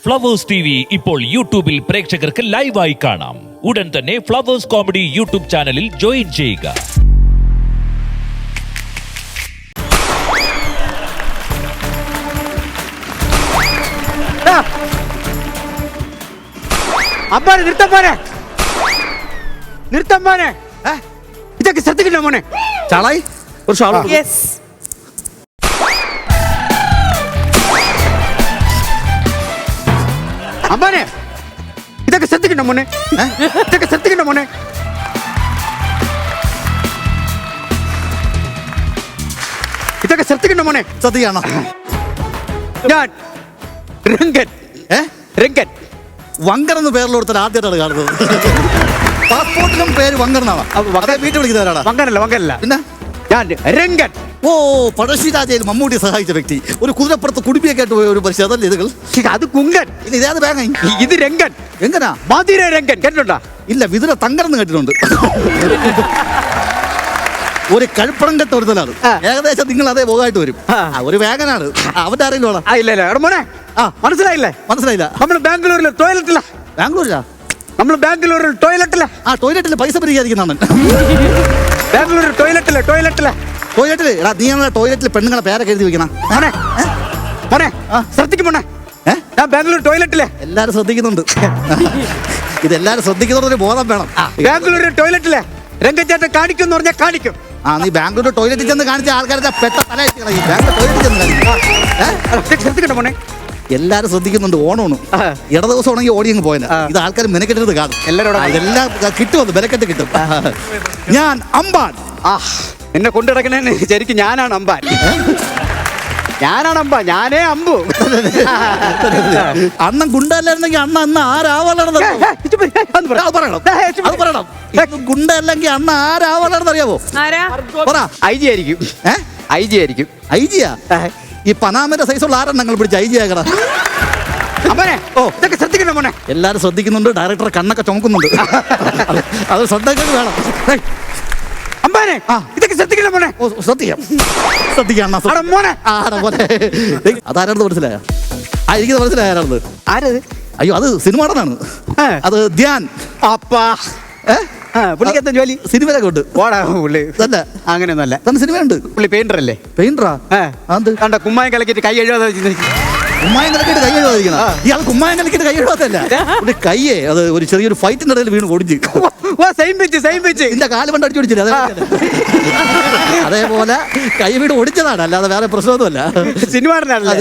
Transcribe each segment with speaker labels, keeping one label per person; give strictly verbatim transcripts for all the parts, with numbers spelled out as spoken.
Speaker 1: Flowers T V ഇപ്പോൾ യൂട്യൂബിൽ പ്രേക്ഷകർക്ക് ലൈവായി കാണാം. ഉടൻ തന്നെ ഫ്ലവേഴ്സ് കോമഡി യൂട്യൂബ് ചാനലിൽ ജോയിൻ ചെയ്യുക.
Speaker 2: അമ്പാനെ നിർത്താൻ മോനെ, നിർത്താൻ മോനെ, ഇതൊക്കെ ശ്രദ്ധിക്കണ്ട മോനെ.
Speaker 3: ചാളായി ഒരു ഷാള്.
Speaker 2: അമ്പാനെ ഇതൊക്കെ ശ്രദ്ധിക്കണ്ട മോനെ, ഇതൊക്കെ ശ്രദ്ധിക്കണ്ട മോനെ. ഇതൊക്കെ ശ്രദ്ധിക്കണ്ട മോനെ.
Speaker 3: സത്യാണോ?
Speaker 2: ഞാൻ രംഗൻ.
Speaker 3: ഏ
Speaker 2: രംഗൻ
Speaker 3: വങ്കർ എന്ന് പേരിലോടുത്ത ആദ്യമായിട്ടാണ് കാണുന്നത്. പാസ്പോർട്ടിലും പേര് വങ്കർ എന്നാണ്. അതെ, വീട്ടിൽ വിളിക്കുന്നവരാണ്.
Speaker 2: വങ്കനല്ല, വങ്കനല്ല,
Speaker 3: പിന്നെ
Speaker 2: ഞാൻ രംഗൻ.
Speaker 3: ഓ, പഴശ്ശിരാജയിൽ മമ്മൂട്ടി സഹായിച്ച വ്യക്തി. ഒരു കുതിരപ്പുറത്ത് കുടുംബിയൊക്കെ ആയിട്ട് പോയ ഒരു പരിശീലനം അതല്ലേ ഇതുകൾ?
Speaker 2: അത് കുങ്കൻ.
Speaker 3: ഇനി ഇതേത് ബാങ്ക്?
Speaker 2: ഇത് രംഗൻ.
Speaker 3: എങ്ങനാ?
Speaker 2: മധുര രംഗൻ കേട്ടിട്ടുണ്ടോ?
Speaker 3: ഇല്ല, വിതുര തങ്കരെന്ന് കേട്ടിട്ടുണ്ട്. ഒരു കഴുപ്പണം കെട്ട ഒരുത്തലാണ്. ഏകദേശം നിങ്ങൾ അതേ പോകായിട്ട് വരും. ഒരു വേഗനാണ്. അവന്റെ അറിയില്ലോളാം.
Speaker 2: ഇല്ല ഇല്ല എടാ മോനെ, ആ മനസ്സിലായില്ലേ?
Speaker 3: മനസ്സിലായില്ല.
Speaker 2: നമ്മൾ ബാംഗ്ലൂരിലെ ടോയ്ലറ്റില്ല.
Speaker 3: ബാംഗ്ലൂരിലാ?
Speaker 2: നമ്മൾ ബാംഗ്ലൂരിൽ ടോയ്ലറ്റില്ല.
Speaker 3: ആ ടോയ്ലറ്റിൽ പൈസ പിരിക്കാതിരിക്കുന്നതാണ്.
Speaker 2: ബാംഗ്ലൂരിൽ ടോയ്ലറ്റില്ല, ടോയ്ലറ്റില്ല,
Speaker 3: ടോയ്ലറ്റില്. എടാ, നീ ഞങ്ങളെ ടോയ്ലറ്റിൽ പെണ്ണുങ്ങളെ പേരൊക്കെ എഴുതി വെക്കണം.
Speaker 2: മോനെ, മോനെ ശ്രദ്ധിക്കും മോനെ.
Speaker 3: ഏഹ്
Speaker 2: ഞാൻ ബാംഗ്ലൂർ ടോയ്ലറ്റില്ലേ.
Speaker 3: എല്ലാരും ശ്രദ്ധിക്കുന്നുണ്ട്. ഇതെല്ലാരും ശ്രദ്ധിക്കുന്നൊരു ബോധം വേണം.
Speaker 2: ബാംഗ്ലൂരിൽ ടോയ്ലറ്റില്ലേ രംഗച്ചേട്ടൻ കാണിക്കും എന്ന് പറഞ്ഞാൽ കാണിക്കും.
Speaker 3: ആ, നീ ബാംഗ്ലൂർ ടോയ്ലറ്റിൽ ചെന്ന് കാണിച്ച ആൾക്കാരെ പെട്ട തല ബാംഗ്ലൂർ ടോയ്ലറ്റിൽ ചെന്ന് കാണിക്കും.
Speaker 2: ശ്രദ്ധിക്കണ്ട മോനെ.
Speaker 3: എല്ലാരും ശ്രദ്ധിക്കുന്നുണ്ട്. ഓണമാണ്. ഇട ദിവസം ഉണെങ്കിൽ ഓടി അങ്ങ് പോയത്. ഇത് ആൾക്കാർ മെനക്കെട്ടത് കാണും.
Speaker 2: എല്ലാവരോടും
Speaker 3: ഇതെല്ലാം കിട്ടുമത്, മെനക്കെട്ട് കിട്ടും. ഞാൻ അമ്പാൻ.
Speaker 2: ആ, എന്നെ കൊണ്ടുനടക്കണേ ശരിക്കും ഞാനാണ് അമ്പാൻ. ഞാനാണ് അമ്പ, ഞാനേ അമ്പു.
Speaker 3: അണ്ണൻ ഗുണ്ടല്ലായിരുന്നെങ്കിൽ അണ്ണ അന്ന് ആരാവളർന്നത് പറയണം. ഗുണ്ടല്ലെങ്കിൽ അണ്ണ ആരാവളർന്ന് അറിയാവോ? പറ.
Speaker 2: ഐ ജി ആയിരിക്കും. ഐ ജി ആയിരിക്കും.
Speaker 3: ഐ ജിയാ? ഈ പനാമന്റെ സൈസുള്ള ആരെണ്ണങ്ങൾ പിടിച്ച് ഐ ജി ആകണം.
Speaker 2: അമ്മനെ, ഓ ഇതൊക്കെ ശ്രദ്ധിക്കണ്ട മോനെ.
Speaker 3: എല്ലാരും ശ്രദ്ധിക്കുന്നുണ്ട്. ഡയറക്ടർ കണ്ണൊക്കെ ചുമക്കുന്നുണ്ട്. അത് ശ്രദ്ധിക്കാൻ വേണം.
Speaker 2: അമ്പാനെ, ഇതൊക്കെ ശ്രദ്ധിക്കണ്ട മോനെ.
Speaker 3: ഓ, ശ്രദ്ധിക്കാം, ശ്രദ്ധിക്കാം
Speaker 2: മോനെ.
Speaker 3: അതാരാണെന്ന് മനസ്സിലായ? ആ, എനിക്ക് മനസ്സിലായ ആരാണത്.
Speaker 2: ആരത്?
Speaker 3: അയ്യോ, അത് സിനിമ നടനാണ്. അത് ധ്യാൻ.
Speaker 2: അപ്പാ, പുള്ളിക്കെന്താ ജോലി?
Speaker 3: സിനിമയിലൊക്കെ ഉണ്ട്.
Speaker 2: ഓടാ പുള്ളി.
Speaker 3: തന്നെ
Speaker 2: അങ്ങനെയൊന്നുമല്ല.
Speaker 3: തന്നെ സിനിമയുണ്ട്.
Speaker 2: പുള്ളി പെയിന്റർ അല്ലേ?
Speaker 3: പെയിന്ററാ? കണ്ട
Speaker 2: കുമ്മായം കലക്കിട്ട് കൈ എഴുതാതെ
Speaker 3: കുമ്മായം കലക്കിട്ട് കൈ എഴുതാതിരിക്കണം. ഇയാൾ കുമ്മായം കലക്കിട്ട് കൈ എഴുതാത്തല്ല. ഒരു കയ്യേ അത് ഒരു ചെറിയൊരു ഫൈറ്റിന്റെ ഇടയിൽ വീണ് ഒടിഞ്ഞ്. ഇതിന്റെ കാല് കൊണ്ട് അടിച്ചു പിടിച്ചില്ല. അതേപോലെ കൈ വീട് ഒടിച്ചതാണ്, അല്ലാതെ വേറെ പ്രശ്നമൊന്നുമല്ല.
Speaker 2: സിനിമ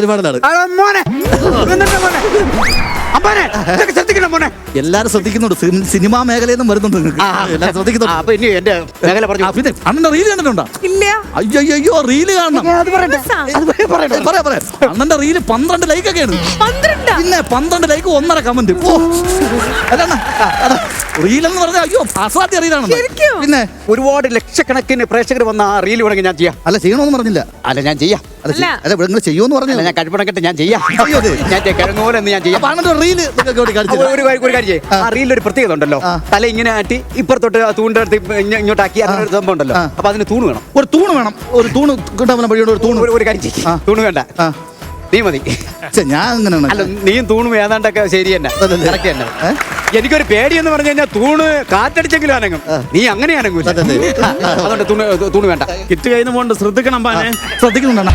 Speaker 3: എല്ലാരും ശ്രദ്ധിക്കുന്നുണ്ട്. സിനിമാ മേഖലയിൽ നിന്നും വരുന്നുണ്ട്. എല്ലാരും ശ്രദ്ധിക്കുന്നുണ്ട്. പിന്നെ അണ്ണന്റെ റീല് കണ്ടിട്ടുണ്ടോ? അയ്യോ, റീല് കാണണം. പറയാ പറയാ അണ്ണന്റെ റീല് പന്ത്രണ്ട് ലൈക്കൊക്കെയാണ്. പിന്നെ പന്ത്രണ്ട് ലൈക്ക്, ഒന്നര കമന്റ്. റീലെന്ന് പറഞ്ഞാൽ അയ്യോ അസാധ്യ റീലാണ്. പിന്നെ
Speaker 2: ഒരുപാട് ലക്ഷക്കണക്കിന് പ്രേക്ഷകർ വന്ന ആ റീൽ വേണമെങ്കിൽ ഞാൻ ചെയ്യാം.
Speaker 3: അല്ല, ചെയ്യണമെന്ന് പറഞ്ഞില്ല.
Speaker 2: അല്ല, ഞാൻ ചെയ്യാം.
Speaker 3: അല്ല, നിങ്ങൾ ചെയ്യുമെന്ന് പറഞ്ഞില്ല.
Speaker 2: ഞാൻ കഴിപ്പണക്കെട്ട് ഞാൻ ചെയ്യാം. ഞാൻ കിഴങ്ങ് പോലെ ഞാൻ ചെയ്യാം.
Speaker 3: റീല്
Speaker 2: ഒരു കാര്യം ചെയ്യും. ആ റീലിൽ ഒരു പ്രത്യേകത ഉണ്ടല്ലോ. തല ഇങ്ങനെ ആട്ടി ഇപ്പുറത്തോട്ട് തൂണ്ടെടുത്ത് ഇങ്ങോട്ടാക്കി ഒരു സംഭവം ഉണ്ടല്ലോ. അപ്പൊ അതിന് തൂണ് വേണം.
Speaker 3: ഒരു തൂണ് വേണം. ഒരു തൂണ് കിട്ടാൻ വഴിയോട് ഒരു തൂണ്.
Speaker 2: ഒരു കാര്യം ചെയ്യും. തൂണ് വേണ്ട, നീ മതി.
Speaker 3: ഞാൻ അങ്ങനെയാണ്.
Speaker 2: അല്ല, നീയും തൂണും ഏതാണ്ടൊക്കെ ശരി തന്നെ. എനിക്കൊരു പേടി എന്ന് പറഞ്ഞു കഴിഞ്ഞാൽ തൂണ് കാറ്റടിച്ചെങ്കിലും അനങ്ങും. നീ അങ്ങനെ അനങ്ങൂല. അതുകൊണ്ട് തൂണ് തൂണ് വേണ്ട.
Speaker 4: കിറ്റ് കയ്യിൽ പോണ്ട്. ശ്രദ്ധിക്കണം. പാനെ
Speaker 3: ശ്രദ്ധിക്കുന്നുണ്ടാ?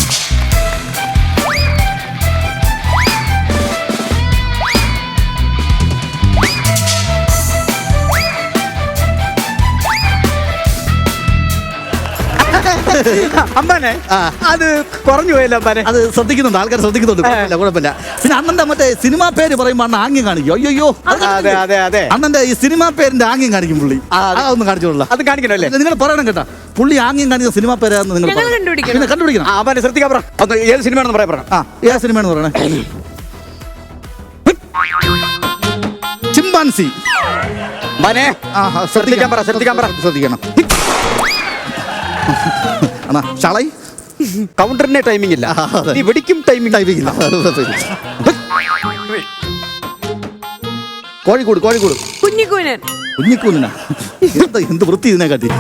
Speaker 2: അമ്പാനെ, അത് കുറഞ്ഞു പോയല്ലോ അമ്പാനെ.
Speaker 3: അത് ശ്രദ്ധിക്കുന്നുണ്ട്, ആൾക്കാർ ശ്രദ്ധിക്കുന്നുണ്ട്. കുഴപ്പമില്ല. പിന്നെ അണ്ണന്റെ മറ്റേ സിനിമാ പേര് പറയുമ്പോ അണ്ണ ആംഗ്യം കാണിക്കും. അയ്യോ,
Speaker 2: അതെ അതെ അതെ
Speaker 3: അണ്ണന്റെ ഈ സിനിമാ പേരിന്റെ ആംഗ്യം കാണിക്കും പുള്ളി. അതൊന്നും കാണിച്ചോളൂ.
Speaker 2: അത് കാണിക്കണല്ലേ?
Speaker 3: നിങ്ങൾ പറയണം കേട്ടാ. പുള്ളി ആംഗ്യം കാണിക്കുന്ന സിനിമാ പേരാന്ന് നിങ്ങൾ പിന്നെ കണ്ടുപിടിക്കണം.
Speaker 2: അമ്പാനെ ശ്രദ്ധിക്കാൻ പറ. ഏത് സിനിമയാണെന്ന് പറയാൻ പറ.
Speaker 3: ആ, ഏത് സിനിമയാണെന്ന് പറയണേ. ചിമ്പാൻസി.
Speaker 2: ശ്രദ്ധിക്കാൻ പറ, ശ്രദ്ധിക്കാൻ പറ.
Speaker 3: ശ്രദ്ധിക്കണം. അണ്ണാ, ഷാളായി
Speaker 2: കൗണ്ടറിന്റെ ടൈമിംഗ് ഇല്ല. നീ വെടിക്കും ടൈമിംഗ്
Speaker 3: ടൈമിംഗ് ഇല്ല. കോഴിക്കോട് കോഴിക്കോട്
Speaker 5: കുഞ്ഞിക്കൂനൻ.
Speaker 3: കുഞ്ഞിക്കൂനാ? എന്ത് വൃത്തി ഇതിനെ കാട്ടി.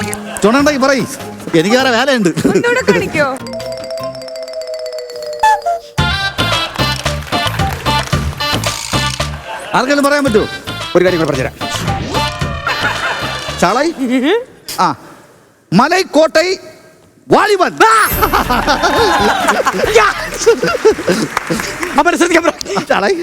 Speaker 3: ചുണണ്ടായി പറയ്, എനിക്ക് വേറെ വേലയുണ്ട്. ആർക്കെങ്കിലും പറയാൻ പറ്റുമോ?
Speaker 2: ഒരു കാര്യം കൂടെ പറഞ്ഞുതരാം.
Speaker 3: ചാളായി ആ മലൈക്കോട്ടൈ വാലിബൻ. ചാളായി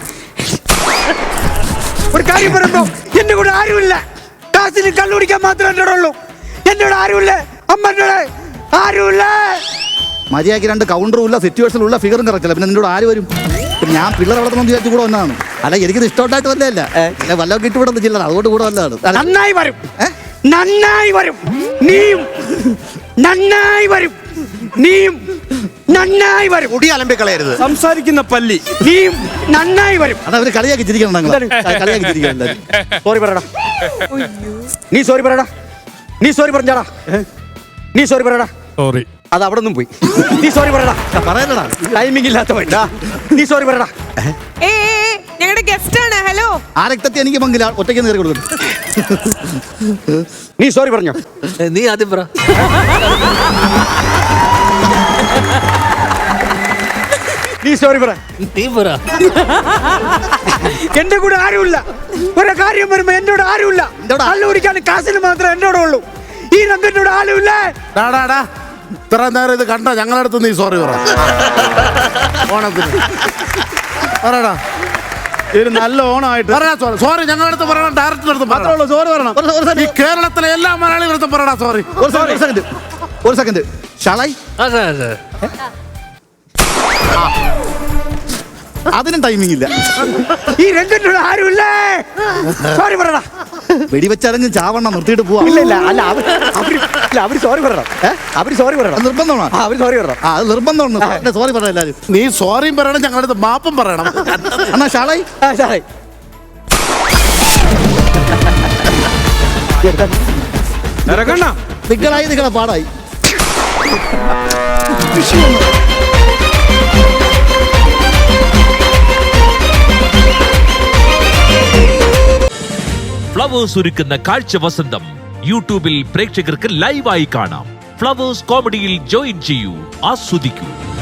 Speaker 2: ഒരു കാര്യം പറയുമ്പോ എന്റെ കൂടെ ആരുമില്ല. കാശിന് കള്ളു കുടിക്കാൻ മാത്രമേ എന്നോട് ഉള്ളൂ. എന്നോട് ആരുമില്ല. അമ്മ എന്നോട് ആരുമില്ല.
Speaker 3: മര്യാദയ്ക്ക് രണ്ട് കൗണ്ടറും ഇല്ല, സിറ്റുവേഷനും ഉള്ള ഫിഗറും കറക്റ്റല്ല. പിന്നെ നിന്നോട് ആര് വരും? പിന്നെ ഞാൻ പിള്ളേർ വളർത്തണം വിചാരിച്ചു കൂടെ വന്നതാണ്. അല്ല എനിക്കിത് ഇഷ്ടമായിട്ട് വല്ലതല്ല. അല്ല വല്ലതൊക്കെ ഇട്ട് വിടുന്ന ജില്ല, അതുകൊണ്ട് കൂടെ വന്നതാണ്.
Speaker 2: നന്നായി വരും, നന്നായി വരും. നീയും നന്നായി വരും, നീയും നന്നായി വരും.
Speaker 5: മുടി അലമ്പിക്കളയരുത്.
Speaker 4: സംസാരിക്കുന്ന പല്ലി.
Speaker 2: നീയും നന്നായി വരും.
Speaker 3: അതാ അവര് കളിയാക്കി ചിരിക്കണം. ഞങ്ങൾ കളിയാക്കി ചിരിക്കണം.
Speaker 2: സോറി പറയടാ. നീ സോറി പറയടാ. നീ സോറി പറഞ്ഞാടാ. നീ സോറി പറയടാ.
Speaker 4: സോറി.
Speaker 2: അത് അവിടെ നിന്നും പോയി. നീ സോറി പറയടാ.
Speaker 3: പറയലടാ,
Speaker 2: ടൈമിംഗ് ഇല്ലാത്തവൻ. നീ സോറി പറയടാ.
Speaker 6: ഞങ്ങളുടെ ഗസ്റ്റ് ആണ്. ഹലോ.
Speaker 3: ആ രക്തത്തെ എനിക്ക് പങ്കില്ല, ഒറ്റയ്ക്ക് നേരെ കൊടുക്കും.
Speaker 2: നീ സോറി പറഞ്ഞോ.
Speaker 5: നീ ആദ്യം പറ.
Speaker 2: നീ സോറി പറ.
Speaker 5: നീ പറ.
Speaker 2: എന്റെ കൂടെ ആരുമില്ല. ഒരു കാര്യം വരുമ്പോ എന്നോട് ആരുമില്ല. കള്ളു കുടിക്കാൻ കാശിന് മാത്രമേ എന്നോട് ഉള്ളൂ. ഈ രംഗനോട് ആരുമില്ല.
Speaker 7: ഇത്ര നേരം ഇത് കണ്ട ഞങ്ങളടുത്ത് നീ സോറി പറ. ഓണത്തിന് പറയടാ.
Speaker 4: ഒരു നല്ല ഓണമായിട്ട്
Speaker 7: പറയാ സോറി. സോറി ഞങ്ങളടുത്ത് പറയണം. ഡയറക്ടർ അടുത്ത്
Speaker 4: മാത്രമേ ഉള്ളൂ. സോറി പറയണം.
Speaker 7: ഈ കേരളത്തിലെ എല്ലാ മലയാളികളടുത്തും പറയടാ സോറി.
Speaker 3: ഒരു സെക്കൻഡ്, ഒരു സെക്കൻഡ്. ഷാളായി അതിനും ടൈമിംഗ് ഇല്ല.
Speaker 2: ഈ രംഗനോട് ആരുമില്ല. സോറി പറയടാ.
Speaker 3: വെടിവെച്ചറിഞ്ഞ് ചാവണ്ണം നിർത്തിയിട്ട് പോവാ.
Speaker 2: ഇല്ല ഇല്ല അല്ല അവര് അവര് ഇല്ല അവര് സോറി പറയണം. അവര് സോറി പറയണം.
Speaker 3: അത് നിർബന്ധമാണ്.
Speaker 2: ആ, അവര് സോറി പറയണം.
Speaker 3: ആ അത് നിർബന്ധമാണ്. സോറി പറയാം എല്ലാവരും.
Speaker 7: നീ സോറിയും പറയണം, ഞങ്ങളടുത്ത് മാപ്പും പറയണം.
Speaker 3: എന്നാ ഷാളായി
Speaker 2: ആ, സാറേ.
Speaker 4: ഇറങ്ങണ്ണ.
Speaker 3: നിങ്ങളായി നിങ്ങളെ പാടായി.
Speaker 1: ഫ്ലവേഴ്സ് ഒരുക്കുന്ന കാഴ്ച വസന്തം യൂട്യൂബിൽ പ്രേക്ഷകർക്ക് ലൈവായി കാണാം. ഫ്ലവേഴ്സ് കോമഡിയിൽ ജോയിൻ ചെയ്യൂ, ആസ്വദിക്കൂ.